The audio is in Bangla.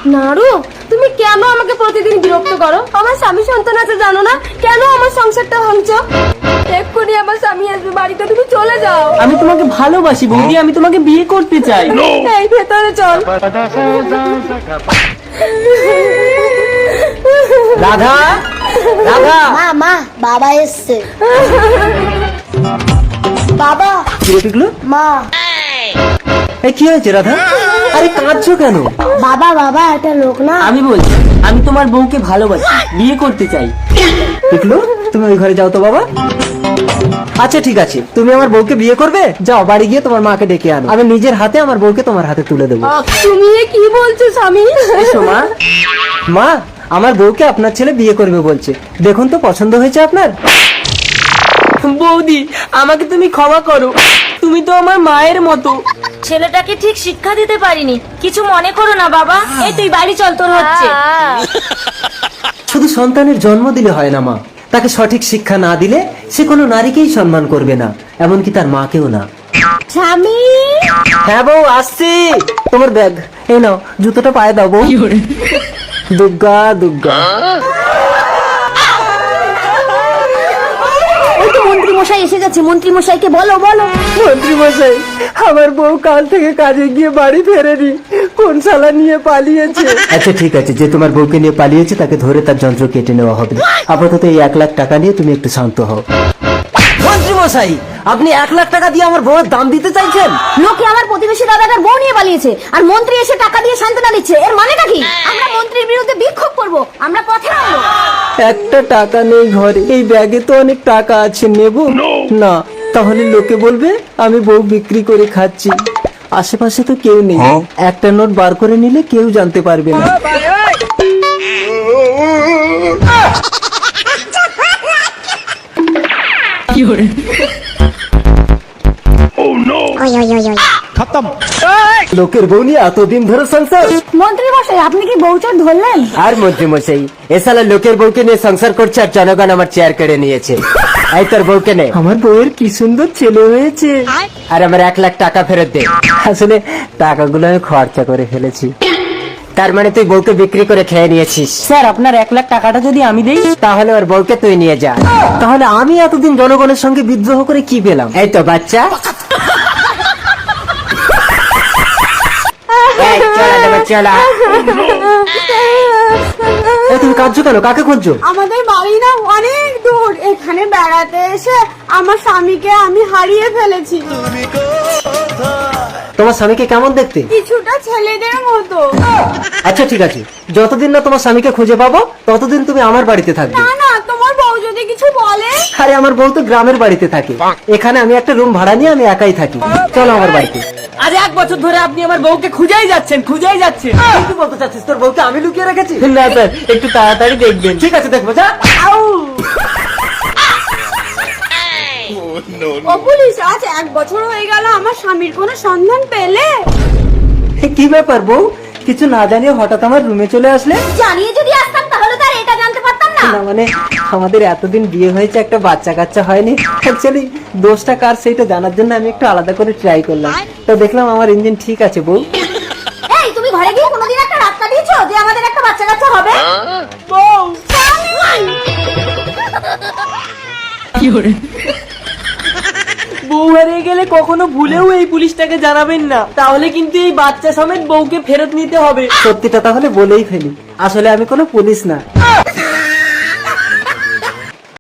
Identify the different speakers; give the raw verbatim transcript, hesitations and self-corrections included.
Speaker 1: নাড়ু, তুমি কেন আমাকে প্রতিদিন বিরক্ত করো? আমার স্বামী সন্তান আছে জানো না? কেন আমার সংসারটা ভাঙছো? এক্ষুনি আমার স্বামী আসবে বাড়িতে, তুমি চলে যাও।
Speaker 2: আমি তোমাকে ভালোবাসি বৌদি, আমি তোমাকে বিয়ে করতে চাই।
Speaker 1: এই ভেতরে চল।
Speaker 2: রাধা, রাধা।
Speaker 3: মা মা বাবা এসছে। বাবা
Speaker 2: কি রে পিকলু?
Speaker 3: মা।
Speaker 2: এই কি হয়েছে রাধা? আরে কাঁদছো কেন?
Speaker 3: বাবা বাবা একটা লোক না।
Speaker 2: আমি বলছি আমি তোমার বউকে ভালোবাসি, বিয়ে করতে চাই। পিকলু তুমি ওই ঘরে যাও তো বাবা। আচ্ছা ঠিক আছে, তুমি আমার বউকে বিয়ে করবে? যাও বাড়ি গিয়ে তোমার মাকে ডেকে আনো, আমি নিজের হাতে আমার বউকে তোমার হাতে তুলে দেবো।
Speaker 1: তুমি এ কি বলছো স্বামী?
Speaker 2: এসো মা। মা, আমার বউকে আপনার ছেলে বিয়ে করবে বলছে, দেখুন তো পছন্দ হয়েছে আপনার? বৌদি আমাকে তুমি ক্ষমা করো, তুমি তো আমার মায়ের মতো।
Speaker 4: ছেলেটাকে ঠিক শিক্ষা দিতে পারিনি, কিছু মনে করো না বাবা। এই তুই বাড়ি চল, তোর হচ্ছে।
Speaker 2: শুধু সন্তানের জন্ম দিলে হয় না মা, তাকে সঠিক শিক্ষা না দিলে সে কোনো নারীকেই সম্মান করবে না, এমনকি তার মাকেও না।
Speaker 3: স্বামী
Speaker 2: হ্যাঁ বউ আসছি। তোমার ব্যাগ এই নাও, জুতোটা পায়ে দাও বউ। দুর্গা দুর্গা।
Speaker 3: ওই তো মন্ত্রী মশাই এসে গেছে, মন্ত্রী মশাইকে বলো বলো।
Speaker 2: মন্ত্রী মশাই, আমার বউ কাল থেকে কাজে গিয়ে বাড়ি ফেরেনি, কোন শালা নিয়ে পালিয়েছে। আচ্ছা ঠিক আছে, যে তোমার বউকে নিয়ে পালিয়েছে তাকে ধরে তার যন্ত্র কেটে নেওয়া হবে। আপাতত এই এক লাখ টাকা নিয়ে তুমি একটু শান্ত হও। মন্ত্রী মশাই, আপনি এক লাখ টাকা দিয়ে আমার বউয়ের দাম দিতে চাইছেন?
Speaker 3: লোকে আমার প্রতিবেশী দাদাটার বউ নিয়ে পালিয়েছে, আর মন্ত্রী এসে টাকা দিয়ে সান্ত্বনা দিচ্ছে, এর মানেটা কি? আমরা মন্ত্রীর বিরুদ্ধে বিক্ষোভ করব, আমরা পথে নামবো।
Speaker 2: একটা টাকা নেই ঘরে, এই ব্যাগে তো অনেক টাকা আছে, নেব না? তাহলে লোকে বলবে আমি বউ বিক্রি করে খাচ্ছি। আশেপাশে তো কেউ নেই, একটা নোট বার করে নিলে কেউ জানতে পারবে না। লোকের বউ নিয়ে এতদিন ধরে সংসার।
Speaker 3: মন্ত্রী মশাই আপনি কি বউচার ধরলেন?
Speaker 2: আর মন্ত্রী মশাই, এ শালা লোকের বউকে নিয়ে সংসার করছে আর জনগণ আমার চেয়ার কেড়ে নিয়েছে। এই তোর বউকে নে। আমার বউয়ের কি সুন্দর ছেলে হয়েছে। আর আমার এক লাখ টাকা ফেরত দে। আসলে টাকাগুলো আমি খরচা করে ফেলেছি। তার মানে তুই বউকে বিক্রি করে খেয়ে নিয়েছিস? স্যার আপনার এক লাখ টাকাটা যদি আমি দেই, তাহলে ওর বউকে তুই নিয়ে যা। তাহলে আমি এতদিন জনগণের সঙ্গে বিদ্রোহ করে কি পেলাম? এই তো বাচ্চা। এই, চলা দেবে, চলা। এই, তুমি কাঁদছো কেন? কাকে খুঁজছো?
Speaker 1: আমাদের বাড়ি না অনেক দূর, এখানে বেড়াতে এসে আমার স্বামীকে আমি হারিয়ে ফেলেছি।
Speaker 2: তোমার স্বামীকে কেমন দেখতে?
Speaker 1: কিছুটা ছেলেদের মতো।
Speaker 2: আচ্ছা ঠিক আছে, যতদিন না তোমার স্বামীকে খুঁজে পাবো ততদিন তুমি আমার বাড়িতে থাকবে।
Speaker 1: না না, তোমার বউ যদি কিছু বলে।
Speaker 2: আরে আমার বউ তো গ্রামের বাড়িতে থাকে, এখানে আমি একটা রুম ভাড়া নিয়ে আমি একাই থাকি। চলো আমার বাড়িতে। আজ এক বছর ধরে আপনি আমার বউকে খুঁজেই যাচ্ছেন, খুঁজেই যাচ্ছেন। কি বলতে চাচ্ছিস? তোর বউকে আমি লুকিয়ে রেখেছি? না স্যার, একটু তাড়াতাড়ি দেখবেন। ঠিক আছে, দেখবো। যা।
Speaker 1: ও পুলিশ, আজ এক বছর হয়ে গেল আমার স্বামীর কোনো সন্ধান পেলে?
Speaker 2: কি ব্যাপার বউ, কিছু না জানিয়ে হঠাৎ আমার রুমে চলে আসলে?
Speaker 3: জানিয়ে যদি আসতাম তাহলে তার এটা জানতে পারতাম না।
Speaker 2: না মানে আমাদের এতদিন বিয়ে হয়েছে, একটা বাচ্চা কাচ্চা হয়নি। অ্যাকচুয়ালি দোষটা কার সেইটা জানার জন্য আমি একটু আলাদা করে ট্রাই করলাম, তো দেখলাম আমার ইঞ্জিন ঠিক আছে। বউ,
Speaker 3: এই তুমি ঘরে গিয়ে কোনোদিন একটা রাত কাটিয়েছো যে আমাদের একটা বাচ্চা কাচ্চা হবে?
Speaker 1: বউ,
Speaker 2: বউ হারিয়ে গেলে কখনো ভুলেও এই পুলিশটাকে জানাবেন না, তাহলে কিন্তু এই বাচ্চা সমেত বউকে ফেরত নিতে হবে। সত্যিটা তাহলে বলেই ফেলি, আসলে আমি কোনো পুলিশ না,